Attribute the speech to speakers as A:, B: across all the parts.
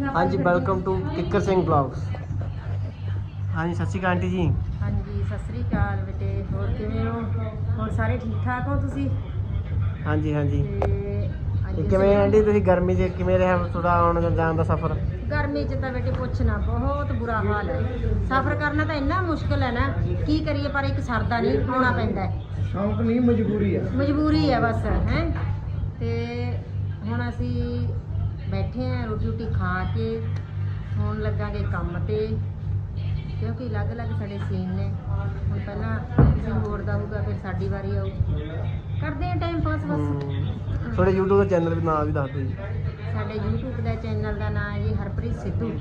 A: हाँ जी, welcome to Kikkar Singh blogs. हाँ जी, सत श्री अकाल आंटी जी।
B: हाँ जी, सत श्री अकाल बेटे। ਹੋਰ ਕਿਵੇਂ ਹੋ? ਹੋਰ ਸਾਰੇ ਠੀਕ ਠਾਕ ਹੋ ਤੁਸੀਂ?
A: हाँ जी हाँ जी।
B: ਤੇ
A: ਕਿਵੇਂ ਆਂਟੀ ਤੁਸੀਂ ਗਰਮੀ 'ਚ ਕਿਵੇਂ ਰਿਹਾ ਤੁਹਾਡਾ ਆਉਣ ਜਾਣ ਦਾ ਸਫ਼ਰ?
B: ਗਰਮੀ 'ਚ ਤਾਂ ਬੇਟੇ ਪੁੱਛਣਾ, ਬਹੁਤ ਬੁਰਾ ਹਾਲ ਹੈ। ਸਫ਼ਰ ਕਰਨਾ ਤਾਂ ਇੰਨਾ ਮੁਸ਼ਕਿਲ ਹੈ ਨਾ, ਕੀ ਕਰੀਏ, ਪਰ ਇੱਕ ਸਰਦਾ ਨਹੀਂ, ਆਉਣਾ ਪੈਂਦਾ ਹੈ।
A: ਸ਼ੌਂਕ ਨਹੀਂ, ਮਜਬੂਰੀ ਆ।
B: ਮਜਬੂਰੀ ਹੈ ਬਸ ਹੈ। ਤੇ ਹੁਣ ਅਸੀਂ ਬੈਠੇ ਹਾਂ ਰੋਟੀ ਖਾ ਕੇ, ਹੁਣ ਲੱਗਾਂਗੇ ਕੰਮ ਤੇ, ਕਿਉਂਕਿ ਅਲੱਗ-ਅਲੱਗ ਸਾਡੇ ਸੀਨ ਨੇ। ਹੁਣ ਪਹਿਲਾਂ ਕਿਸੇ ਹੋਰ ਦਾ ਹੋਊਗਾ, ਫਿਰ ਸਾਡੀ ਵਾਰੀ ਆਊ, ਕਰਦੇ ਹਾਂ ਟਾਈਮ ਪਾਸ ਬਸ।
A: ਤੁਹਾਡੇ YouTube ਦਾ ਚੈਨਲ ਵੀ ਨਾਮ ਵੀ ਦੱਸ ਦਿਓ ਜੀ।
B: ਸਾਡੇ YouTube ਦਾ ਚੈਨਲ ਦਾ ਨਾਮ ਹੈ ਜੀ ਹਰਪ੍ਰੀਤ ਸਿੱਧੂ।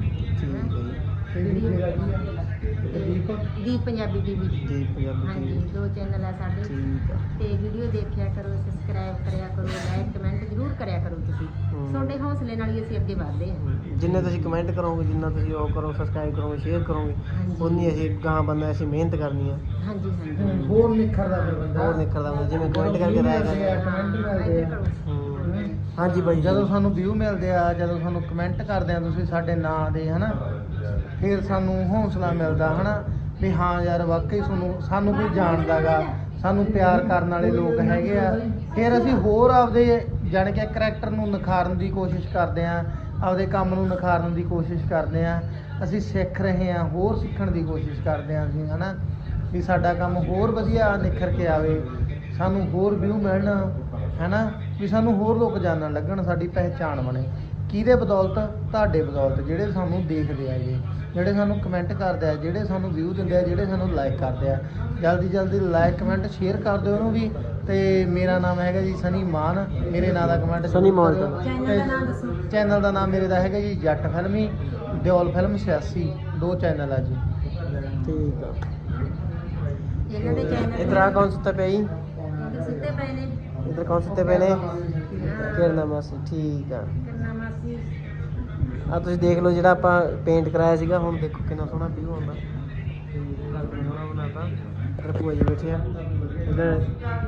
A: ਠੀਕ ਹੈ ਜੀ।
B: ਦੀਪ ਪੰਜਾਬੀ ਟੀਵੀ।
A: ਦੀਪ ਪੰਜਾਬੀ
B: ਹਾਂਜੀ,
A: ਟੀਵੀ।
B: 2 ਚੈਨਲ ਹੈ ਸਾਡੇ।
A: ਠੀਕ ਆ।
B: ਤੇ ਵੀਡੀਓ ਦੇਖਿਆ ਕਰੋ, ਸਬਸਕ੍ਰਾਈਬ ਕਰਿਆ ਕਰੋ, ਲਾਈਕ ਕਮੈਂਟ ਜ਼ਰੂਰ ਕਰਿਆ ਕਰੋ ਤੁਸੀਂ। ਤੁਹਾਡੇ ਹੌਸਲੇ ਨਾਲ ਹੀ ਅਸੀਂ ਅੱਗੇ ਵਧਦੇ ਹਾਂ।
A: ਜਿੰਨੇ ਤੁਸੀਂ ਕਮੈਂਟ ਕਰੋਗੇ, ਜਿੰਨਾ ਤੁਸੀਂ ਉਹ ਕਰੋ, ਸਬਸਕ੍ਰਾਈਬ ਕਰੋਗੇ, ਸ਼ੇਅਰ ਕਰੋਗੇ, ਉਨੀ ਅਸੀਂ ਗਾਂ ਬੰਦਾ ਅਸੀਂ ਮਿਹਨਤ ਕਰਨੀ ਆ।
B: ਹਾਂਜੀ ਹਾਂਜੀ।
A: ਹੋਰ ਨਿਖਰਦਾ ਫਿਰ ਬੰਦਾ, ਹੋਰ ਨਿਖਰਦਾ ਬੰਦਾ, ਜਿਵੇਂ ਕਮੈਂਟ ਕਰਕੇ ਰਾਇਆ
B: ਕਮੈਂਟ ਮਿਲਦੇ ਆ।
A: ਹਾਂਜੀ ਬਾਈ,
C: ਜਦੋਂ ਸਾਨੂੰ ਵਿਊ ਮਿਲਦੇ ਆ, ਜਦੋਂ ਸਾਨੂੰ ਕਮੈਂਟ ਕਰਦੇ ਆ ਤੁਸੀਂ ਸਾਡੇ ਨਾਂ ਦੇ, ਹਨਾ, ਫਿਰ ਸਾਨੂੰ ਹੌਸਲਾ ਮਿਲਦਾ, ਹਨਾ, ਵੀ ਹਾਂ ਯਾਰ ਵਾਕਈ ਸਾਨੂੰ ਕੋਈ ਜਾਣਦਾ ਗਾ, ਸਾਨੂੰ ਪਿਆਰ ਕਰਨ ਵਾਲੇ ਲੋਕ ਹੈਗੇ ਆ। ਫਿਰ ਅਸੀਂ ਹੋਰ ਆਪਦੇ ਜਾਣੀ ਕਿ ਕਰੈਕਟਰ ਨੂੰ ਨਿਖਾਰਨ ਦੀ ਕੋਸ਼ਿਸ਼ ਕਰਦੇ ਆ, ਆਪਦੇ ਕੰਮ ਨੂੰ ਨਿਖਾਰਨ ਦੀ ਕੋਸ਼ਿਸ਼ ਕਰਦੇ ਆ। ਅਸੀਂ ਸਿੱਖ ਰਹੇ ਹਾਂ, ਹੋਰ ਸਿੱਖਣ ਦੀ ਕੋਸ਼ਿਸ਼ ਕਰਦੇ ਹਾਂ ਅਸੀਂ, ਹਨਾ, ਵੀ ਸਾਡਾ ਕੰਮ ਹੋਰ ਵਧੀਆ ਨਿਖਰ ਕੇ ਆਵੇ, ਸਾਨੂੰ ਹੋਰ ਵਿਊ ਮਿਲਣ, ਹਨਾ, ਵੀ ਸਾਨੂੰ ਹੋਰ ਲੋਕ ਜਾਣਨ ਲੱਗਣ, ਸਾਡੀ ਪਹਿਚਾਣ ਬਣੇ। ਕਿਹਦੇ ਬਦੌਲਤ? ਤੁਹਾਡੇ ਬਦੌਲਤ, ਜਿਹੜੇ ਸਾਨੂੰ ਦੇਖਦੇ ਆਗੇ, ਜਿਹੜੇ ਸਾਨੂੰ ਕਮੈਂਟ ਕਰਦੇ ਆ, ਜਿਹੜੇ ਸਾਨੂੰ ਵਿਊ ਦਿੰਦੇ ਆ, ਜਿਹੜੇ ਸਾਨੂੰ ਲਾਈਕ ਕਰਦੇ ਆ। ਜਲਦੀ ਲਾਈਕ ਕਮੈਂਟ ਸ਼ੇਅਰ ਕਰ ਦਿਓ ਉਹਨੂੰ ਵੀ। ਤੇ ਮੇਰਾ ਨਾਮ ਹੈਗਾ ਜੀ ਸਨੀ ਮਾਨ, ਮੇਰੇ ਨਾਂ ਦਾ ਕਮੈਂਟ
A: ਸਨੀ ਮਾਨ।
B: ਚੈਨਲ ਦਾ ਨਾਮ ਦੱਸੋ।
C: ਚੈਨਲ ਦਾ ਨਾਮ ਮੇਰੇ ਦਾ ਹੈਗਾ ਜੀ ਜੱਟ ਫਿਲਮੀ, ਦਿਓਲ ਫਿਲਮ 86, 2 ਚੈਨਲ ਆ ਜੀ।
A: ਠੀਕ ਆ।
B: ਇਹਨਾਂ ਦੇ ਚੈਨਲ
A: ਇਧਰ ਆ ਕੌਣ ਸੁੱਤਾ ਪਿਆ ਜੀ?
B: ਸਿੱਧੇ ਪਏ ਨੇ।
A: ਇਧਰ ਕੌਣ ਸੁੱਤੇ ਪਏ ਨੇ? ਕਿਰਨਾ ਮਾਸੀ। ਠੀਕ ਆ।
B: ਕਿੰਨਾ ਮਾਸੀ।
A: ਆ ਤੁਸੀਂ ਦੇਖ ਲਓ, ਜਿਹੜਾ ਆਪਾਂ ਪੇਂਟ ਕਰਾਇਆ ਸੀਗਾ, ਹੁਣ ਦੇਖੋ ਕਿੰਨਾ ਸੋਹਣਾ ਵਿਊ ਆਉਂਦਾ। ਘਰ ਕਿੰਨਾ ਸੋਹਣਾ ਬਣਾਤਾ। ਇੱਧਰ ਭੂਆ ਜੀ ਬੈਠੇ ਆ। ਇੱਧਰ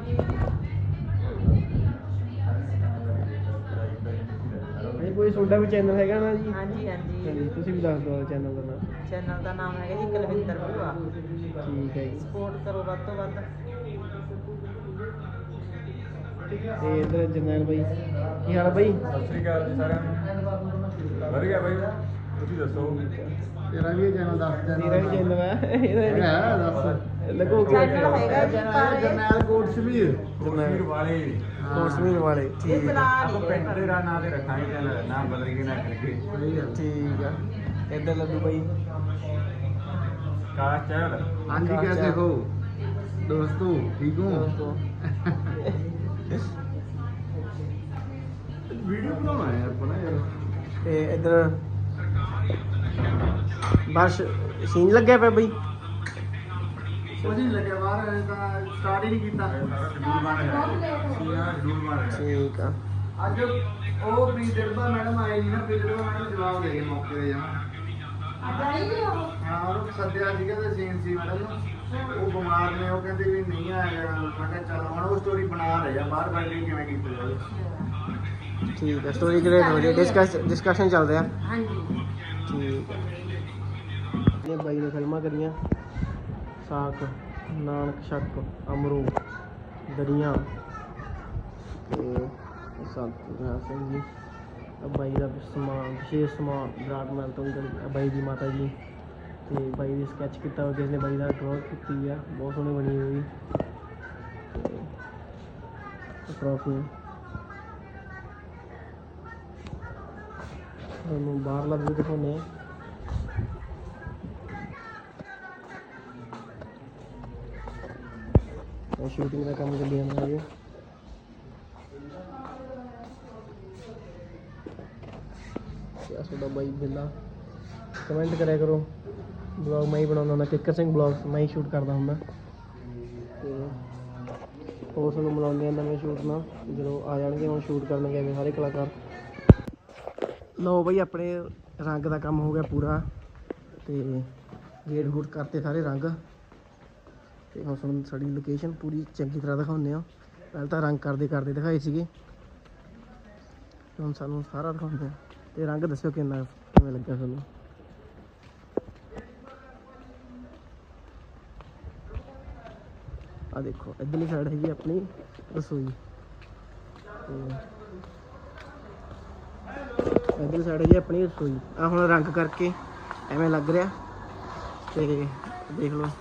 A: ਕੋਈ ਤੁਹਾਡਾ ਵੀ ਚੈਨਲ ਹੈਗਾ ਨਾ ਜੀ?
B: ਹਾਂਜੀ ਹਾਂਜੀ।
A: ਹਾਂਜੀ, ਤੁਸੀਂ ਵੀ ਦੱਸ ਦਿਓ ਚੈਨਲ ਦਾ ਨਾਮ।
B: ਚੈਨਲ ਦਾ ਨਾਮ ਹੈਗਾ ਜੀ ਕੁਲਵਿੰਦਰ ਭੂਆ।
A: ਠੀਕ ਹੈ ਜੀ।
B: ਸਪੋਰਟ ਕਰੋ ਵੱਧ ਤੋਂ ਵੱਧ।
A: ਤੇ ਇੱਧਰ ਜਰਨੈਲ ਬਾਈ, ਕੀ ਹਾਲ ਹੈ ਬਾਈ?
D: ਸਤਿ ਸ਼੍ਰੀ ਅਕਾਲ ਜੀ ਸਾਰਿਆਂ ਨੂੰ। ਵਧੀਆ ਬਾਈ, ਤੁਸੀਂ ਦੱਸੋ?
C: ਤੇਰਾ ਵੀ ਚੈਨਲ ਦੱਸ ਦੇ।
A: ਮੇਰਾ ਵੀ ਚੈਨਲ ਹੈ, ਇਹਦਾ
C: ਦੱਸ
A: ਲੱਗੋ
B: ਚੈਨਲ ਹੈਗਾ ਜੀ
C: ਜਰਨੈਲ ਕੋਟਸ਼ਮੀਰ
D: ਕਸ਼ਮੀਰ ਵਾਲੇ
A: ਕੋਟਸ਼ਮੀਰ ਵਾਲੇ। ਠੀਕ ਆ।
D: ਆਪਾਂ ਪਿੰਡ ਦੇ ਨਾਂ ਤੇ ਰੱਖਾਂਗੇ ਚੈਨਲ, ਨਾਮ ਬਦਲ ਕੇ ਨਾ ਕਰਕੇ।
A: ਠੀਕ ਆ। ਇੱਧਰ ਲੱਡੂ ਬਾਈ।
D: ਕਾਸ਼ ਚਹਿਲ।
C: हाँ जी, कैसे हो दोस्तों? ठीक हो? वीडियो बनाना है यार, बना यार।
A: ਤੇ ਇੱਧਰ ਬਸ ਸੀਨ ਲੱਗਿਆ ਪਿਆ ਬਈ।
C: कुछ नहीं लगे बाहर, स्टार्ट ही नहीं किया।
D: ਸ਼ਡਿਊਲ ਬਣ ਰਿਹਾ, ਸ਼ਡਿਊਲ ਬਣ ਰਿਹਾ।
A: ਠੀਕ ਆ।
C: ਅੱਜ ਉਹ ਪ੍ਰੀਤਿਰਬਾ ਮੈਡਮ ਆਏ ਨਹੀਂ ਨਾ, ਪ੍ਰੀਤਿਰਬਾ ਮੈਡਮ ਜਵਾਬ ਦੇ ਗਏ ਮੌਕੇ ਤੇ ਜਾਂ ਹਾਂ, ਉਹਨੂੰ ਸੱਦਿਆ ਸੀਗਾ ਤੇ ਸੀਨ ਸੀ ਮੈਡਮ ਨੂੰ, ਉਹ ਬਿਮਾਰ ਨੇ, ਉਹ ਕਹਿੰਦੇ ਵੀ ਨਹੀਂ ਆਏਗਾ। ਮੈਂ ਕਿਹਾ ਚੱਲ ਹੁਣ ਉਹ ਸਟੋਰੀ ਬਣਾ ਰਹੇ ਆ, ਬਾਹਰ ਬੈਠ ਕੇ ਕਿਵੇਂ ਕੀਤੀ ਜਾਵੇ।
A: ਠੀਕ ਆ, ਸਟੋਰੀ ਕ੍ਰੀਏਟ ਹੋ ਰਹੀ ਹੈ, ਡਿਸਕਸ਼ਨ ਚੱਲ ਰਿਹਾ।
B: ਹਾਂਜੀ।
A: ਠੀਕ ਆ। ਇਹ ਬਾਈ ਨੇ ਫਿਲਮਾਂ ਕਰੀਆਂ, ਸਾਕ, ਨਾਨਕ ਸ਼ੱਕ, ਅਮਰੂ, ਦਰੀਆਂ ਤੇ ਸੰਤ ਨਿਹਾਲ ਸਿੰਘ ਜੀ। ਬਾਈ ਦਾ ਸਮਾਨ, ਵਿਸ਼ੇਸ਼ ਸਮਾਨ ਵਿਰਾਟ ਮਹਿਲ ਤੋਂ ਬਾਈ ਦੀ ਮਾਤਾ ਜੀ, ਤੇ ਬਾਈ ਦੀ ਸਕੈਚ ਕੀਤਾ ਹੋਇਆ, ਜਿਸ ਨੇ ਬਾਈ ਦਾ ਡਰਾਅ ਕੀਤੀ ਆ, ਬਹੁਤ ਸੋਹਣੀ ਬਣੀ ਹੋਈ। ਟਰੋਫੀ ਤੁਹਾਨੂੰ ਬਾਹਰਲਾ ਵੀ ਦਿਖਾਉਂਦੇ ਆ। ਸ਼ੂਟਿੰਗ ਦਾ ਕੰਮ ਚੱਲੀ ਜਾਂਦਾ ਜੀ। ਤੁਹਾਡਾ ਬਾਈ ਬਿੱਲਾ, ਕਮੈਂਟ ਕਰਿਆ ਕਰੋ। ਬਲੌਗ ਮੈਂ ਹੀ ਬਣਾਉਂਦਾ ਹੁੰਦਾ, ਕਿੱਕਰ ਸਿੰਘ ਬਲੌਗ ਮੈਂ ਹੀ ਸ਼ੂਟ ਕਰਦਾ ਹੁੰਦਾ। ਤੇ ਹੋਰ ਤੁਹਾਨੂੰ ਮਿਲਾਉਂਦੇ ਆ ਨਵੇਂ ਸ਼ੂਟ ਨਾਲ, ਜਦੋਂ ਆ ਜਾਣਗੇ। ਹੁਣ ਸ਼ੂਟ ਕਰਨ ਗਏ ਸਾਰੇ ਕਲਾਕਾਰ। ਲਓ ਬਈ, ਆਪਣੇ ਰੰਗ ਦਾ ਕੰਮ ਹੋ ਗਿਆ ਪੂਰਾ, ਤੇ ਗੇਟ ਗੂਟ ਕਰਤੇ ਸਾਰੇ ਰੰਗ। ਤੇ ਹੁਣ ਤੁਹਾਨੂੰ ਸਾਡੀ ਲੋਕੇਸ਼ਨ ਪੂਰੀ ਚੰਗੀ ਤਰ੍ਹਾਂ ਦਿਖਾਉਂਦੇ ਹਾਂ। ਪਹਿਲਾਂ ਤਾਂ ਰੰਗ ਕਰਦੇ ਦਿਖਾਏ ਸੀਗੇ, ਹੁਣ ਸਾਨੂੰ ਸਾਰਾ ਦਿਖਾਉਂਦੇ ਹਾਂ। ਤੇ ਰੰਗ ਦੱਸਿਓ ਕਿਵੇਂ ਲੱਗਿਆ ਤੁਹਾਨੂੰ। ਆ ਦੇਖੋ ਇੱਧਰਲੀ ਸਾਈਡ ਹੈਗੀ ਆਪਣੀ ਰਸੋਈ ਤੇ ਇੱਧਰਲੀ ਸਾਈਡ ਹੈਗੀ ਆਪਣੀ ਰਸੋਈ। ਆ ਹੁਣ ਰੰਗ ਕਰਕੇ ਐਵੇਂ ਲੱਗ ਰਿਹਾ ਤੇ ਦੇਖ ਲਓ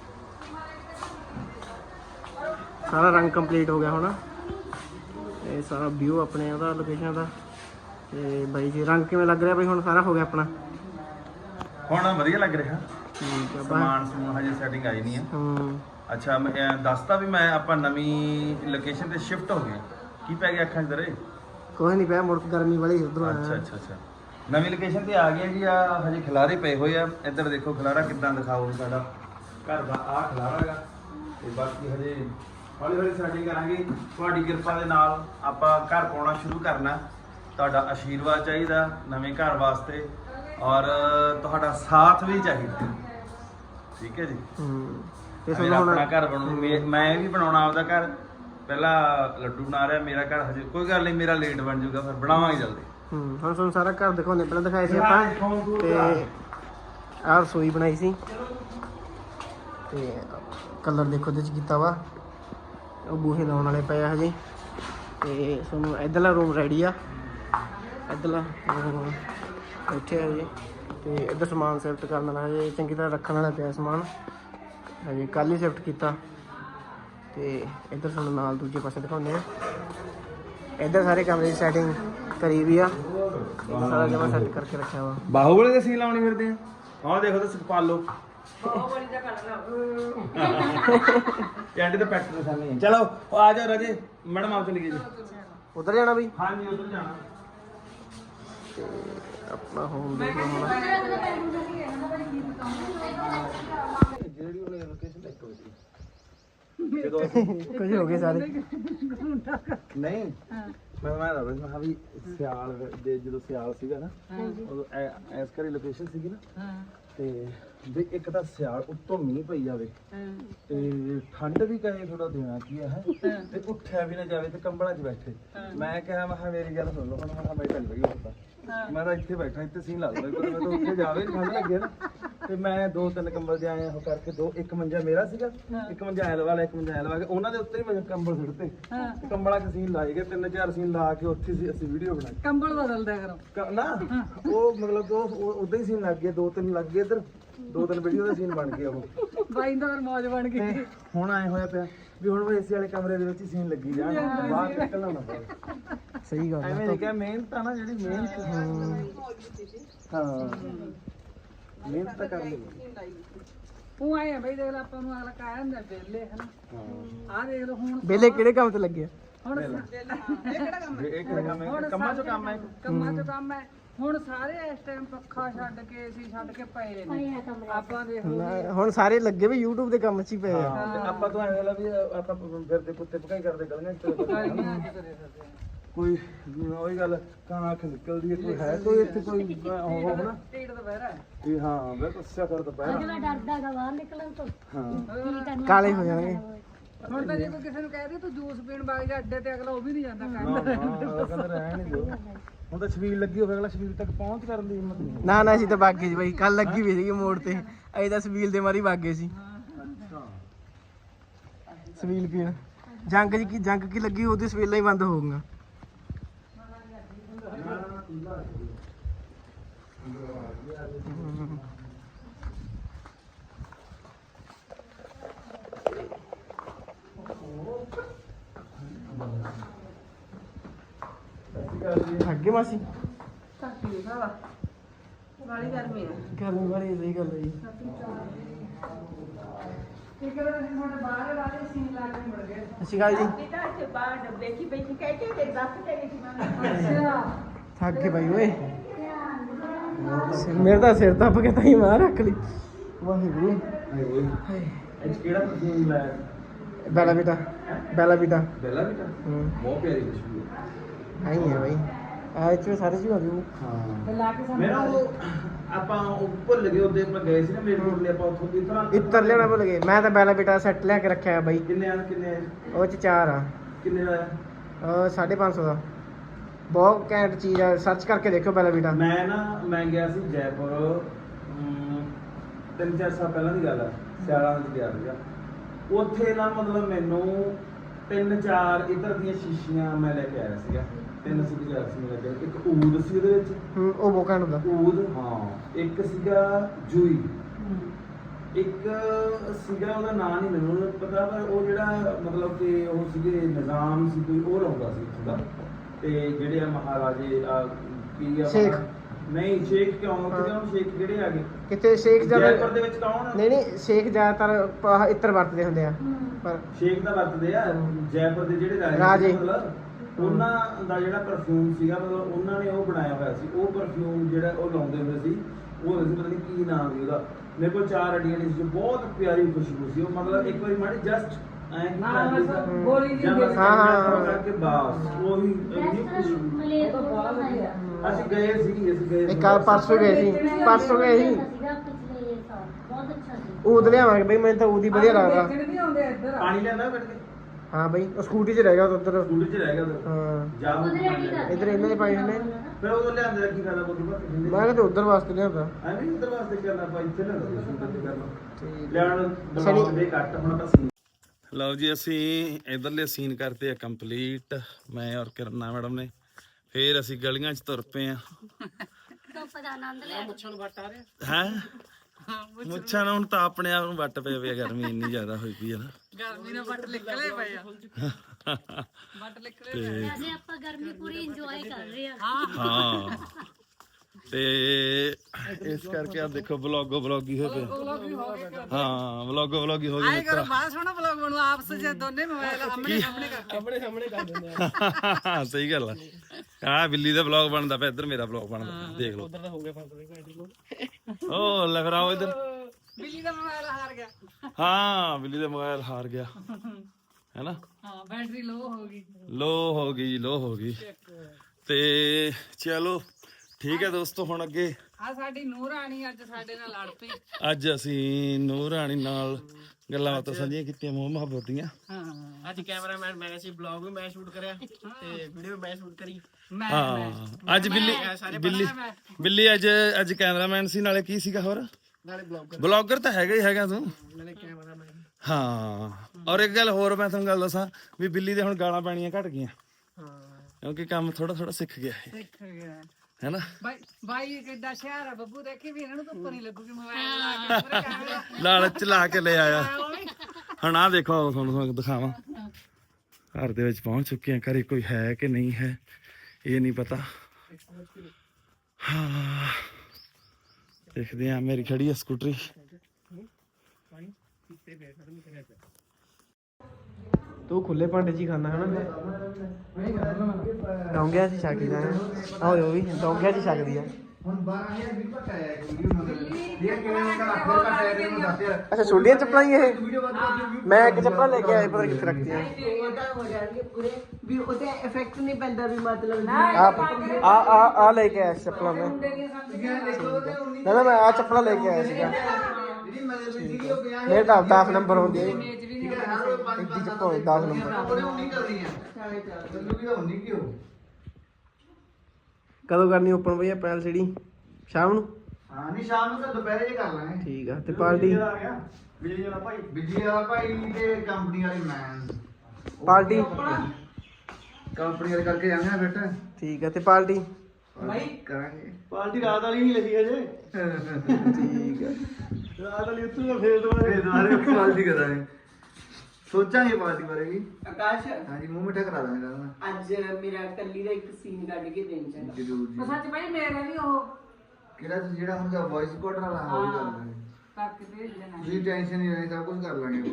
A: ਸਾਰਾ ਰੰਗ ਕੰਪਲੀਟ ਹੋ ਗਿਆ ਹੁਣ। ਇਹ ਸਾਰਾ ਵਿਊ ਆਪਣੇ ਉਹਦਾ ਲੋਕੇਸ਼ਨ ਦਾ। ਤੇ ਬਾਈ ਜੀ ਰੰਗ ਕਿਵੇਂ ਲੱਗ ਰਿਹਾ ਬਾਈ? ਹੁਣ ਸਾਰਾ ਹੋ ਗਿਆ ਆਪਣਾ।
D: ਹੁਣ ਵਧੀਆ ਲੱਗ ਰਿਹਾ।
A: ਠੀਕ ਆ
D: ਸਮਾਨ ਸਮੂਨ ਹਜੇ ਸੈਟਿੰਗ ਆਈ ਨਹੀਂ ਹੈ।
A: ਹੂੰ
D: ਅੱਛਾ ਮੈਂ ਦੱਸਤਾ ਵੀ ਮੈਂ ਆਪਾਂ ਨਵੀਂ ਲੋਕੇਸ਼ਨ ਤੇ ਸ਼ਿਫਟ ਹੋ ਗਏ। ਕੀ ਪੈ ਗਿਆ ਅੱਖਾਂ 'ਚ ਤੇਰੇ?
A: ਕੋਈ ਨਹੀਂ ਪਿਆ, ਮੁੜ ਗਰਮੀ ਵਾਲੀ ਉਧਰੋਂ
D: ਅੱਛਾ
A: ਆਇਆ।
D: ਅੱਛਾ ਅੱਛਾ ਨਵੀਂ ਲੋਕੇਸ਼ਨ ਤੇ ਆ ਗਏ ਜੀ। ਆ ਹਜੇ ਖਿਲਾਰੇ ਪਏ ਹੋਏ ਆ। ਇੱਧਰ ਦੇਖੋ ਖਿਲਾਰਾ ਕਿੱਦਾਂ ਦਿਖਾਓ ਸਾਡਾ ਘਰ ਦਾ। ਆ ਖਿਲਾਰਾ ਹੈਗਾ ਤੇ ਬਾਕੀ ਹਜੇ ਹੌਲੀ ਹੌਲੀ ਸੈਟਿੰਗ ਕਰਾਂਗੇ। ਤੁਹਾਡੀ ਕਿਰਪਾ ਦੇ ਨਾਲ ਆਪਾਂ ਘਰ ਪਾਉਣਾ ਸ਼ੁਰੂ ਕਰਨਾ। ਤੁਹਾਡਾ ਆਸ਼ੀਰਵਾਦ ਚਾਹੀਦਾ ਨਵੇਂ ਘਰ ਵਾਸਤੇ ਔਰ ਤੁਹਾਡਾ ਸਾਥ ਵੀ ਚਾਹੀਦਾ। ਠੀਕ ਹੈ ਜੀ।
A: ਹੂੰ ਤੇ
D: ਮੇਰਾ
A: ਤੁਹਾਨੂੰ
D: ਆਪਣਾ
A: ਹੁਣ
D: ਘਰ ਬਣੂ। ਮੈਂ ਵੀ ਬਣਾਉਣਾ ਆਪਦਾ ਘਰ। ਪਹਿਲਾਂ ਲੱਡੂ ਬਣਾ ਰਿਹਾ। ਮੇਰਾ ਘਰ ਹਜੇ ਕੋਈ ਗੱਲ ਨਹੀਂ, ਮੇਰਾ ਲੇਟ ਬਣ ਜਾਊਗਾ, ਫਿਰ ਬਣਾਵਾਂਗੇ ਜਲਦੀ।
A: ਹੁਣ ਤੁਹਾਨੂੰ ਸਾਰਾ ਘਰ ਦਿਖਾਉਂਦੇ। ਪਹਿਲਾਂ ਦਿਖਾਏ ਸੀ ਆਪਾਂ ਤੇ ਆਹ ਰਸੋਈ ਬਣਾਈ ਸੀ ਤੇ ਕਲਰ ਦੇਖੋ ਇਹਦੇ ਚ ਕੀਤਾ ਵਾ। ਉਹ ਬੂਹੇ ਲਾਉਣ ਵਾਲੇ ਪਏ ਆ ਹਜੇ। ਤੇ ਤੁਹਾਨੂੰ ਇੱਧਰਲਾ ਰੂਮ ਰੈਡੀ ਆ। ਇੱਧਰਲਾ room ਇੱਥੇ ਆ ਜੀ। ਤੇ ਇੱਧਰ ਸਮਾਨ ਸ਼ਿਫਟ ਕਰਨ ਵਾਲਾ ਹਜੇ ਚੰਗੀ ਤਰ੍ਹਾਂ ਰੱਖਣ ਵਾਲਾ ਪਿਆ ਸਮਾਨ। ਹਜੇ ਕੱਲ੍ਹ ਹੀ ਸ਼ਿਫਟ ਕੀਤਾ। ਤੇ ਇੱਧਰ ਤੁਹਾਨੂੰ ਨਾਲ ਦੂਜੇ ਪਾਸੇ ਦਿਖਾਉਂਦੇ ਆ। ਇੱਧਰ ਸਾਰੇ ਕਮਰੇ ਦੀ ਸੈਟਿੰਗ ਕਰੀ ਵੀ ਆ। ਸਾਰਾ ਜਮਾ ਸੈੱਟ ਕਰਕੇ ਰੱਖਿਆ ਵਾ।
D: ਬਾਹੂਬਲੀ ਦੇ ਸੀਨ ਲਾਉਣੀ ਫਿਰਦੇ ਆ। ਆਹ ਦੇਖੋ ਤੇ ਸੁਖਪਾਲੋ ਕੈਂਡੀ ਦਾ ਪੈਕਟ ਦੇ ਸਾਹਮਣੇ। ਚਲੋ ਆ ਜਾਓ ਰਾਜੇ। ਮੈਡਮ ਆਪ ਚਲੀ ਗਈ ਜੀ।
A: ਉਧਰ ਜਾਣਾ ਬਈ?
D: ਹਾਂਜੀ ਉਧਰ ਜਾਣਾ।
A: ਤੇ ਆਪਣਾ ਹੋਮ ਦੇਖ ਲਓ ਹੁਣ।
D: ਜਿਹੜੀ ਉਹਨੇ ਲੋਕੇਸ਼ਨ ਦੇਖੋ ਜੀ।
A: ਕੁਝ ਹੋ ਗਏ ਸਾਰੇ।
D: ਨਹੀਂ ਮੈਂ ਦੱਸਦਾ ਸੀ। ਮੈਂ ਵੀ ਸਿਆਲ ਦੇ ਜਦੋਂ ਸਿਆਲ ਸੀਗਾ ਨਾ ਉਦੋਂ ਐਸ ਕਰੀ ਲੋਕੇਸ਼ਨ ਸੀਗੀ ਨਾ। ਤੇ ਵੀ ਇੱਕ ਤਾਂ ਸਿਆਲ ਉੱਤੋਂ ਮੀਂਹ ਪਈ ਜਾਵੇ ਤੇ ਠੰਡ ਵੀ ਕਹੇ ਥੋੜਾ ਦੇਣਾ ਕੀ ਹੈ ਤੇ ਉੱਠਿਆ ਵੀ ਨਾ ਜਾਵੇ ਤੇ ਕੰਬਲਾਂ 'ਚ ਬੈਠੇ। ਮੈਂ ਕਿਹਾ ਮੈਂ ਕਿਹਾ ਮੇਰੀ ਗੱਲ ਸੁਣ ਲਓ। ਹੁਣ ਮੈਂ ਕਿਹਾ ਮੈਂ ਤਾਂ ਨਹੀਂ ਹੁੰਦਾ। ਮੈਂ ਤਾਂ ਇੱਥੇ ਬੈਠਾ, ਇੱਥੇ ਸੀਨ ਲਾ ਲਵਾਂ। ਮੈਂ ਤਾਂ ਉੱਥੇ ਜਾਵੇ ਠੰਡ ਲੱਗੇ ਨਾ। ਤੇ ਮੈਂ 2-3 ਕੰਬਲ ਦੇ ਆਏ ਉਹ ਕਰਕੇ ਇੱਕ ਮੰਜਾ ਮੇਰਾ ਸੀਗਾ, ਇੱਕ ਮੰਜਾ ਐਲ ਵਾਲਾ, ਇੱਕ ਮੰਜਾ ਐਲ ਵਾਲਾ। ਉਹਨਾਂ ਦੇ ਉੱਤੇ ਹੀ ਮੈਂ ਕੰਬਲ ਸੁੱਟਤੇ। ਕੰਬਲਾਂ 'ਚ ਸੀਨ ਲਾਏ ਗਏ 3-4 ਸੀਨ ਲਾ ਕੇ ਉੱਥੇ ਅਸੀਂ ਵੀਡੀਓ ਬਣਾਈ।
B: ਕੰਬਲ ਬਦਲਦਾ ਕਰੋ
D: ਨਾ ਉਹ ਮਤਲਬ ਉਹ ਉਦਾਂ ਹੀ ਸੀਨ ਲੱਗ ਗਏ। 2-3 ਲੱਗ ਗਏ ਇੱਧਰ। 2-3 ਵੀਡੀਓ ਦੇ ਸੀਨ ਬਣ ਗਏ ਉਹ।
B: ਬਾਈ ਦਾ ਫਿਰ ਮੌਜ ਬਣ ਗਈ।
D: ਤੇ ਹੁਣ ਆਏ ਹੋਇਆ ਪਿਆ ਵੀ ਹੁਣ ਉਹ ਏਸੀ ਵਾਲੇ ਕਮਰੇ ਦੇ ਵਿੱਚ ਹੀ ਸੀਨ ਲੱਗੀ ਜਾਣ, ਬਾਹਰ ਨਿਕਲਣਾ ਨਾ ਪਵੇ।
A: ਸਹੀ ਗੱਲ
D: ਐਵੇਂ ਨਹੀਂ ਕਿਹਾ ਮਿਹਨਤ ਆ ਨਾ ਜਿਹੜੀ ਮਿਹਨਤ। ਹਾਂ ਮਿਹਨਤ ਤਾਂ ਕਰ ਲਈ।
B: ਉਹ ਆਏ ਆ ਬਈ ਦੇਖ ਲੈ ਆਪਾਂ ਨੂੰ ਅਗਲਾ ਕਾਇਆ ਹੁੰਦਾ ਵੇਲੇ ਹਨਾ। ਆਹ ਦੇਖ ਲਓ ਹੁਣ
A: ਬੇਲੇ ਕਿਹੜੇ ਕੰਮ ਤੇ ਲੱਗੇ ਆ?
B: ਹੁਣ
D: ਇਹ ਕਿਹੜਾ ਕੰਮ ਹੈ? ਕੰਮਾਂ ਚੋਂ ਕੰਮ ਹੈ।
B: ਕੰਮਾਂ ਚ ਕੰਮ ਹੈ। ਹੁਣ ਸਾਰੇ ਇਸ ਟਾਈਮ ਪੱਖਾ ਛੱਡ ਕੇ ਏਸੀ ਛੱਡ ਕੇ ਪਏ ਨੇ। ਆਪਾਂ ਦੇਖ ਲਓ
A: ਹੁਣ ਸਾਰੇ ਲੱਗੇ ਵੀ YouTube ਦੇ ਕੰਮ 'ਚ ਹੀ ਪਏ ਆ।
D: ਹਾਂ ਤੇ ਆਪਾਂ ਤਾਂ ਐਵੇਂ ਲਾ ਵੀ ਆਪਾਂ ਫਿਰਦੇ ਕੁੱਤੇ ਭਕਾਈ ਕਰਦੇ ਗਲੀਆਂ 'ਚ। ਕੋਈ ਉਹੀ ਗੱਲ ਕਾਂ ਅੱਖ ਨਿਕਲਦੀ ਹੈ। ਕੋਈ ਹੈ ਕੋਈ ਇੱਥੇ ਕੋਈ ਉਹ ਨਾ
B: ਢੀਡ ਦਾ ਬਹਿਰਾ
D: ਵੀ ਹਾਂ ਮੈਂ ਦੱਸਿਆ ਕਰ ਦੁਪਹਿਰ।
E: ਡਰਦਾ ਗਾ ਬਾਹਰ ਨਿਕਲਣ ਤੋਂ।
D: ਹਾਂ
A: ਕਾਲੇ ਹੋ ਜਾਣਗੇ।
B: ਹੁਣ ਤਾਂ ਜੇ ਕੋਈ ਕਿਸੇ ਨੂੰ ਕਹਿ ਦੇ ਤੂੰ ਜੂਸ ਪੀਣ ਵਗ ਜਾ ਅੱਡੇ ਤੇ, ਅਗਲਾ ਉਹ ਵੀ ਨਹੀਂ ਜਾਂਦਾ
D: ਨਾ
B: ਕਹਿੰਦਾ।
D: ਉਹ ਕਹਿੰਦਾ ਰਹਿਣ ਨਹੀਂ ਦਿਓ। ਹੁਣ ਤਾਂ ਛਬੀਲ ਲੱਗੀ ਹੋਵੇ, ਅਗਲਾ ਛਬੀਲ ਤੱਕ ਪਹੁੰਚ ਕਰਨ ਦੀ ਹਿੰਮਤ ਨਹੀਂ।
A: ਨਾ ਨਾ ਅਸੀਂ ਤਾਂ ਬਾਗੇ ਜੀ ਬਾਈ। ਕੱਲ ਲੱਗੀ ਵੀ ਸੀਗੀ ਮੋੜ ਤੇ। ਅਸੀਂ ਤਾਂ ਸਵੀਲ ਦੇ ਮਾਰੀ ਬਾਗੇ ਸੀ। ਸਵੀਲ ਪੀਣ ਜੰਗ ਕੀ ਲੱਗੀ ਉਹਦੀ ਸਵੀਲਾਂ ਹੀ ਬੰਦ ਹੋ ਗਈਆਂ। ਅੱਗੇ ਮਾਸੀ
B: ਵਾਲੀ ਗਰਮੀ ਹੈ।
A: ਗਰਮੀ ਵਾਲੀ ਸਹੀ ਗੱਲ ਹੈ ਜੀ।
B: ਇੱਕ ਵਾਰ ਅਸੀਂ ਤੁਹਾਡੇ ਬਾਹਰ ਵਾਲੇ ਸੀਨ ਲਾ ਕੇ ਮੁੜ ਗਏ।
A: ਸਤਿ ਸ਼੍ਰੀ ਅਕਾਲ ਜੀ। ਅੱਛਾ ਥੱਕ ਗਏ ਬਾਈ ਓਏ। ਮੇਰੇ ਤਾਂ ਸਿਰ ਦੱਬ ਕੇ ਤਾਂ ਹੀ ਮਾਰ ਰੱਖ ਲਈ। ਵਾਹਿਗੁਰੂ। ਹਾਏ
D: ਇਹ ਕਿਹੜਾ ਪਰਫਿਊਮ ਲਾਇਆ?
A: ਬੈਲਾ ਬੇਟਾ
D: ਬੈਲਾ ਵੀ ਤਾਂ
A: ਹੂੰ
D: ਬਹੁਤ ਪਿਆਰੀ ਖੁਸ਼ਬੂ ਹੈ।
A: ਆਈ ਹੈ ਬਾਈ। ਆ ਇੱਥੇ ਸਾਰੇ ਜੀ ਆਜੂ।
D: ਹਾਂ
B: ਲਾ ਕੇ ਸਾਨੂੰ
D: ਮੇਰਾ ਉਹ ਆਪਾਂ ਉਹ ਭੁੱਲ ਗਏ ਉਹਦੇ ਆਪਾਂ ਗਏ ਸੀ ਨਾ ਮੇਰੇ ਕੋਲ ਆਪਾਂ ਉੱਥੋਂ ਇਤਨਾ
A: ਇੱਤਰ ਲਿਆਉਣਾ ਭੁੱਲ ਗਏ। ਮੈਂ ਤਾਂ ਬੈਲਾ ਬੇਟਾ ਸੈੱਟ ਲਿਆ ਕੇ ਰੱਖਿਆ ਹੈ ਬਾਈ।
D: ਕਿੰਨੇ ਆ ਕਿੰਨੇ
A: ਉਹ ਚ 4 ਆ।
D: ਕਿੰਨੇ ਦਾ?
A: 550 ਦਾ। ਬਹੁਤ ਘੈਂਟ ਚੀਜ਼ ਆ, ਸਰਚ ਕਰਕੇ ਦੇਖਿਓ ਬੈਲਾ ਵੀਟਾ।
D: ਮੈਂ ਗਿਆ ਸੀ ਜੈਪੁਰ 3-4 ਸਾਲ ਪਹਿਲਾਂ ਦੀ ਗੱਲ ਆ, ਸਿਆਲਾਂ ਵਿੱਚ ਗਿਆ ਸੀਗਾ। ਉੱਥੇ ਨਾ ਮਤਲਬ ਮੈਨੂੰ 3-4 ਇੱਧਰ ਦੀਆਂ ਸ਼ੀਸ਼ੀਆਂ ਮੈਂ ਲੈ ਕੇ ਆਇਆ ਸੀਗਾ। 3 ਸੀਗੇ ਸੀ ਮੈਂ ਲੈ ਕੇ ਆਇਆ। ਇੱਕ ਊਦ ਸੀ ਉਹਦੇ ਵਿੱਚ,
A: ਉਹ ਬਹੁਤ ਘੈਂਟ ਹੁੰਦਾ।
D: ਊਦ, ਹਾਂ। ਇੱਕ ਸੀਗਾ ਜੂਈ, ਇੱਕ ਸੀਗਾ ਉਹਦਾ ਨਾਂ ਨਹੀਂ ਮੈਨੂੰ ਪਤਾ, ਪਰ ਉਹ ਜਿਹੜਾ ਮਤਲਬ ਕਿ ਉਹ ਸੀਗੇ ਨਿਜ਼ਾਮ ਸੀ ਕੋਈ, ਉਹ ਲਾਉਂਦਾ ਸੀ ਉੱਥੋਂ ਦਾ। ਤੇ ਜਿਹੜੇ ਆ ਮਹਾਰਾਜੇ ਕੀ ਆ
A: ਸ਼ੇਖ।
D: ਨਹੀਂ ਸ਼ੇਖ ਕਿਉਂ ਉੱਥੇ ਕਿਉਂ ਸ਼ੇਖ ਕਿਹੜੇ ਆ ਗਏ
A: ਕਿਤੇ ਸ਼ੇਖ
D: ਜੈਪੁਰ ਦੇ ਵਿੱਚ ਕੌਣ?
A: ਨਹੀਂ ਸ਼ੇਖ ਜ਼ਿਆਦਾਤਰ ਇੱਤਰ ਵਰਤਦੇ ਹੁੰਦੇ ਆ, ਪਰ
D: ਸ਼ੇਖ ਦਾ ਵਰਤਦੇ ਆ। ਜੈਪੁਰ ਦੇ ਜਿਹੜੇ
A: ਰਾਜੇ।
D: ਮਤਲਬ ਉਹਨਾਂ ਦਾ ਜਿਹੜਾ ਪਰਫਿਊਮ ਸੀਗਾ, ਮਤਲਬ ਉਹਨਾਂ ਨੇ ਉਹ ਬਣਾਇਆ ਹੋਇਆ ਸੀ। ਉਹ ਪਰਫਿਊਮ ਜਿਹੜਾ ਉਹ ਲਾਉਂਦੇ ਹੁੰਦੇ ਸੀ, ਉਹ ਸੀ ਪਤਾ ਨਹੀਂ ਕੀ ਨਾਮ ਸੀ ਉਹਦਾ। ਮੇਰੇ ਕੋਲ 4 ਅੱਡੀਆਂ ਨੇ ਸੀ, ਬਹੁਤ ਪਿਆਰੀ ਖੁਸ਼ਬੂ ਸੀ ਉਹ। ਮਤਲਬ ਇੱਕ ਵਾਰੀ ਮਾੜੀ ਜਸਟ
B: ਗੋਲੀ ਦੀ
D: ਕਰਕੇ ਬਾਸ ਉਹੀ ਇੰਨੀ ਖੁਸ਼ਬੂ। ਅਸੀਂ ਗਏ
A: ਇੱਕ ਪਰਸੋਂ ਗਏ ਸੀ
E: ਸੀਗਾ ਪਿਛਲੇ ਸਾਲ ਬਹੁਤ ਅੱਛਾ ਸੀ।
A: ਊਦ ਲਿਆਵਾਂਗੇ ਬਈ, ਮੈਨੂੰ ਤਾਂ ਊਦ ਹੀ ਵਧੀਆ ਲੱਗਦਾ।
D: ਪਾਣੀ ਲੈਂਦਾ ਬੈਠ ਕੇ
A: ਹਾਂ ਬਈ, ਉਹ ਸਕੂਟੀ 'ਚ ਰਹਿ ਗਿਆ ਉੱਧਰ।
D: ਸਕੂਲ 'ਚ ਰਹਿ ਗਿਆ ਉਧਰ
A: ਹਾਂ,
D: ਜਾ
A: ਇੱਧਰ ਇਹਨਾਂ ਦੇ ਪਾਣੀ ਨੇ।
D: ਫਿਰ ਉਦੋਂ ਲਿਆਂਦੇ ਦਾ ਕੀ ਫਾਇਦਾ ਬੋਲੀ
A: ਮੈਂ ਕਿਹਾ ਉੱਧਰ ਵਾਸਤੇ ਲਿਆਂਦਾ।
D: ਐਵੇਂ ਉਧਰ ਵਾਸਤੇ ਕਰਨਾ, ਆਪਾਂ ਇੱਥੇ ਲਿਆਂਦਾ ਸ਼ੂਟਿੰਗ ਤੇ ਕਰਨਾ।
A: ਠੀਕ।
D: ਲੈਣ ਬਲੌਗ ਦੇ ਕੱਟ ਹੁਣ ਆਪਾਂ ਸੀਨ। ਲਓ ਜੀ, ਅਸੀਂ ਇਧਰਲੇ ਸੀਨ ਕਰਤੇ ਆ ਕੰਪਲੀਟ, ਮੈਂ ਔਰ ਕਿਰਨਾ ਮੈਡਮ ਨੇ। ਫੇਰ ਅਸੀਂ ਗਲੀਆਂ 'ਚ ਤੁਰ ਪਏ ਆ।
E: ਧੁੱਪ ਦਾ ਆਨੰਦ ਲੈ।
A: ਮੁੱਛਾਂ ਨੂੰ ਵੱਟ ਆ ਰਿਹਾ
D: ਹੈ ਮੁੱਛਾਂ ਨੂੰ ਹੁਣ ਤਾਂ ਆਪਣੇ ਆਪ ਨੂੰ ਵੱਟ ਪਏ ਪਏ, ਗਰਮੀ ਇੰਨੀ ਜ਼ਿਆਦਾ ਹੋਈ ਪਈ ਹੈ ਨਾ।
B: ਗਰਮੀ ਨਾਲ ਵੱਟ ਨਿਕਲੇ ਪਏ ਆ, ਵੱਟ ਨਿਕਲੇ ਪਏ।
E: ਵੈਸੇ ਆਪਾਂ ਗਰਮੀ ਪੂਰੀ ਇੰਜੋਏ ਕਰ ਰਹੇ ਆ।
D: ਹਾਂ ਤੇ ਇਸ ਕਰਕੇ ਆ ਦੇਖੋ ਵਲੌਗੀ ਹੋ ਪਏ। ਹਾਂ ਵਲੌਗੀ ਹੋ ਗਈ।
B: ਆਏ ਕਰੋ ਬੜਾ ਸੋਹਣਾ ਵਲੌਗ ਬਣੂ ਆਪਸ ਵਿੱਚ ਦੋਨੇ ਮੋਬਾਈਲ ਆਮਣੇ ਸਾਹਮਣੇ
A: ਕਰ ਦਿੰਦੇ ਆ।
D: ਸਹੀ ਗੱਲ ਆ ਬਿੱਲੀ ਦਾ ਵਲੌਗ ਬਣਦਾ ਪਿਆ, ਇੱਧਰ ਮੇਰਾ ਵਲੌਗ ਬਣਦਾ, ਦੇਖ ਲਓ।
A: ਉੱਧਰ ਤਾਂ ਹੋ ਗਿਆ ਫਾਲਤੂ।
D: ਉਹ ਲੈ ਫਿਰ ਆਓ ਇੱਧਰ।
B: ਬਿੱਲੀ ਦਾ ਮੋਬਾਈਲ ਹਾਰ ਗਿਆ।
D: ਹਾਂ ਬਿੱਲੀ ਦਾ ਮੋਬਾਈਲ ਹਾਰ ਗਿਆ ਹੈਨਾ।
B: ਹਾਂ ਬੈਟਰੀ ਲੋ
D: ਹੋ ਗਈ ਤੇ ਚਲੋ ਠੀਕ ਹੈ ਦੋਸਤੋ। ਹੁਣ ਅੱਗੇ
B: ਆ ਸਾਡੀ ਨੂਰ ਰਾਣੀ ਅੱਜ ਸਾਡੇ ਨਾਲ ਲੜ ਪਈ।
D: ਅੱਜ ਅਸੀਂ ਨੂਰ ਰਾਣੀ ਨਾਲ ਗੱਲਾਂ ਬਾਤਾਂ ਸਾਂਝੀਆਂ ਕੀਤੀਆਂ, ਮੋਹ ਮੁਹੱਬਤ ਦੀਆਂ।
B: ਹਾਂ
A: ਅੱਜ ਕੈਮਰਾਮੈਨ ਮੈਂ ਸੀ, ਬਲੌਗ ਵੀ ਮੈਂ ਸ਼ੂਟ ਕਰਿਆ ਤੇ ਵੀਡੀਓ ਵੀ ਮੈਂ ਸ਼ੂਟ ਕਰੀ।
D: ਹਾਂ ਅੱਜ ਬਿੱਲੀ ਅੱਜ ਕੈਮਰਾਮੈਨ ਸੀ, ਨਾਲੇ ਕੀ ਸੀਗਾ ਹੋਰ,
A: ਨਾਲੇ
D: ਬਲੌਗਰ ਤਾਂ ਹੈਗਾ ਹੀ ਹੈਗਾ ਤੂੰ।
A: ਨਾਲੇ ਕੈਮਰਾਮੈਨ।
D: ਹਾਂ ਔਰ ਇੱਕ ਗੱਲ ਹੋਰ ਮੈਂ ਤੁਹਾਨੂੰ ਗੱਲ ਦੱਸਾਂ ਵੀ ਬਿੱਲੀ ਦੇ ਹੁਣ ਗਾਲਾਂ ਪੈਣੀਆਂ ਘਟ ਗਈਆਂ,
A: ਹਾਂ
D: ਕਿਉਂਕਿ ਕੰਮ ਥੋੜਾ ਸਿੱਖ ਗਿਆ ਇਹ,
B: ਸਿੱਖ ਗਿਆ
D: ਹੈਨਾ।
B: ਬਾਈ ਕਿੱਡਾ ਸ਼ਹਿਰ ਆ ਬੱਬੂ, ਦੇਖੀ ਵੀ ਇਹਨਾਂ ਨੂੰ ਧੁੱਪ ਨਹੀਂ ਲੱਗੂਗੀ ਮੋਬਾਈਲ ਲਾ ਕੇ ਪੂਰੇ ਕੈਮਰਾ
D: ਲਾਲਚ ਲਾ ਕੇ ਲੈ ਆਇਆ। ਹੁਣ ਆਹ ਦੇਖੋ ਤੁਹਾਨੂੰ ਦਿਖਾਵਾਂ, ਘਰ ਦੇ ਵਿੱਚ ਪਹੁੰਚ ਚੁੱਕੇ ਹਾਂ। ਘਰੇ ਕੋਈ ਹੈ ਕਿ ਨਹੀਂ ਹੈ ਇਹ ਨਹੀਂ ਪਤਾ। ਹਾਂ ਦੇਖਦੇ ਆ, ਮੇਰੀ ਖੜੀ ਆ ਸਕੂਟਰੀ।
A: ਤੂੰ ਖੁੱਲੇ ਭਾਂਡੇ 'ਚ ਹੀ ਖਾਣਾ ਹੈ ਨਾ। ਡੋਂਗਿਆਂ 'ਚ ਛਕਦਾ ਹੈ। ਆਹ ਉਹ ਵੀ ਡੋਂਗਿਆਂ 'ਚ ਛਕਦੀ ਆ।
C: ਹੁਣ 12000 ਵੀ ਘਟ ਆਇਆ ਵੀਡੀਓ ਮਤਲਬ ਇਹ ਕਿਵੇਂ ਹੋਗਾ, ਫਿਰ ਘਟ ਆਇਆ ਤੇ ਮੈਨੂੰ ਦੱਸ ਯਾਰ।
A: ਅੱਛਾ ਛੋਟੀਆਂ ਚੱਪਲਾਂ ਹੀ ਇਹ।
C: ਵੀਡੀਓ ਬਾਅਦ ਵਿੱਚ
A: ਮੈਂ ਇੱਕ ਚੱਪਲ ਲੈ ਕੇ ਆਇਆ, ਪਤਾ ਕਿੱਥੇ ਰੱਖਤੀਆਂ।
B: ਹੋ ਜਾਣਗੇ ਪੂਰੇ ਵੀ ਉਹਦੇ ਇਫੈਕਟ ਨਹੀਂ ਪੈਂਦਾ ਵੀ ਮਤਲਬ
A: ਆ ਲੈ ਕੇ ਆਇਆ ਚੱਪਲਾਂ ਮੈਂ। ਨਾ ਮੈਂ ਆ ਚੱਪਲਾਂ ਲੈ ਕੇ ਆਇਆ ਸੀਗਾ।
C: ਜਿਹੜੀ ਮਤਲਬ ਵੀਡੀਓ 50
A: ਮੇਰੇ ਤਾਂ 10 ਨੰਬਰ ਹੁੰਦੀ ਹੈ।
C: ਠੀਕ ਹੈ ਹਰ ਰੋਜ਼ 5
A: ਇੱਡੀ ਚੱਪਲ 10 ਨੰਬਰ।
C: ਉਹਨੇ ਉਨੀ ਕਰਨੀ ਆ ਤੈਨੂੰ ਵੀ ਹੋਣੀ ਕਿਉਂ।
A: ਕਦੋਂ ਕਰਨੀ ਓਪਨ ਭਈਆ ਪੈਲ ਜਿਹੜੀ ਸ਼ਾਮ ਨੂੰ?
C: ਹਾਂ ਨਹੀਂ ਸ਼ਾਮ ਨੂੰ ਤਾਂ ਦੁਪਹਿਰੇ ਜੇ ਕਰ ਲਾਂਗੇ।
A: ਠੀਕ ਆ। ਤੇ ਪਾਰਟੀ
C: ਬਿਜਲੀ ਵਾਲਾ ਭਾਈ ਤੇ ਕੰਪਨੀ ਵਾਲੇ ਮੈਨ
A: ਪਾਰਟੀ
C: ਕੰਪਨੀ ਵਾਲੇ ਕਰਕੇ ਜਾਂਦੇ ਆ ਫਿੱਟ।
A: ਠੀਕ ਆ। ਤੇ ਪਾਰਟੀ
C: ਭਾਈ ਕਰਾਂਗੇ।
D: ਪਾਰਟੀ ਰਾਤ ਵਾਲੀ ਨਹੀਂ ਲਿਖੀ ਹਜੇ।
A: ਠੀਕ ਆ।
D: ਰਾਤ ਵਾਲੀ ਉੱਤੋਂ ਦਾ ਫੇਰ ਦੁਬਾਰਾ
C: ਦੁਬਾਰੇ ਪਾਰਟੀ ਕਰਾਂਗੇ, ਸੋਚਾਂਗੇ ਪਾਰਟੀ ਬਾਰੇ ਵੀ।
B: ਆਕਾਸ਼
C: ਹਾਂਜੀ ਮੂੰਹ ਮਿੱਠਾ ਕਰਾ ਦਾਂਗੇ ਨਾਲ।
B: ਅੱਜ ਮੇਰਾ ਕੱਲੀ ਦਾ ਇੱਕ ਸੀਨ ਕੱਢ ਕੇ ਦੇਣ ਚਾਹੀਦਾ।
C: ਜ਼ਰੂਰ ਜੀ।
B: ਸੱਚ ਭਾਈ ਮੇਰਾ ਵੀ ਉਹ
C: ਕਿਹੜਾ ਤੁਸੀਂ ਜਿਹੜਾ ਹੁੰਦਾ ਵੌਇਸ ਰਿਕਾਰਡਰ ਵਾਲਾ ਹਾਂ ਉਹ ਵੀ ਕਰ ਦਾਂਗੇ।
B: ਕਰਕੇ ਭੇਜ ਦੇਣਾ।
C: ਤੁਸੀਂ ਟੈਨਸ਼ਨ ਨਹੀਂ ਲੈਣੀ, ਸਭ ਕੁਝ ਕਰ ਲਾਂਗੇ।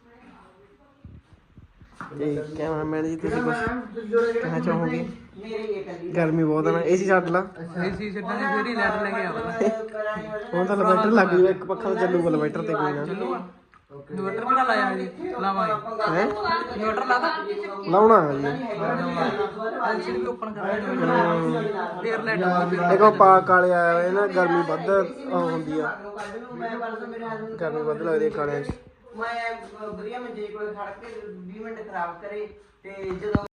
A: ਤੇ ਕੈਮਰਾਮੈਨ ਜੀ ਤੁਸੀਂ ਕੁਝ
C: ਜੋੜਾ
A: ਕਹਿਣਾ ਚਾਹੋਗੇ?
B: ਮੇਰੀ ਇਹ ਕੱਲੀ
A: ਗਰਮੀ ਬਹੁਤ ਆ ਨਾ। ਏਸੀ ਛੱਡ ਲਾ।
C: ਏਸੀ ਛੱਡਣ ਦੀ ਫੇਰ ਹੀ ਲੈਟ ਲੈ ਕੇ ਆਵਾਂਗੇ।
A: ਹੁਣ ਤਾਂ ਇਨਵਰਟਰ ਲੱਗ ਜੂਗਾ, ਇੱਕ ਪੱਖਾ ਤਾਂ ਚੱਲੂਗਾ ਇਨਵਰਟਰ ਤੇ ਕੋਈ ਨਾ।
B: ਇਨਵਰਟਰ ਕਿਹੜਾ ਲਾਇਆ ਜੀ? ਲਾਵਾਂਗੇ।
A: ਹੈ
B: ਇਨਵਰਟਰ ਲਾਦਾ?
A: ਲਾਉਣਾ ਹੈ ਜੀ।
B: ਐਲਸੀਡੀ ਵੀ ਓਪਨ ਕਰਾਂਗੇ। ਫੇਰ ਲੈਟ
A: ਦੇਖੋ ਪਾਕ ਵਾਲੇ ਆਇਆ ਹੋਏ ਨਾ, ਗਰਮੀ ਵੱਧ ਹੁੰਦੀ ਆ। ਗਰਮੀ ਵੱਧ ਲੱਗਦੀ ਹੈ ਕਾਲਿਆਂ 'ਚ।
B: ਮੈਂ ਵਧੀਆ ਮੰਜੇ ਕੋਲ ਖੜ ਕੇ 20 ਮਿੰਟ ਖਰਾਬ ਕਰੇ ਤੇ ਜਦੋਂ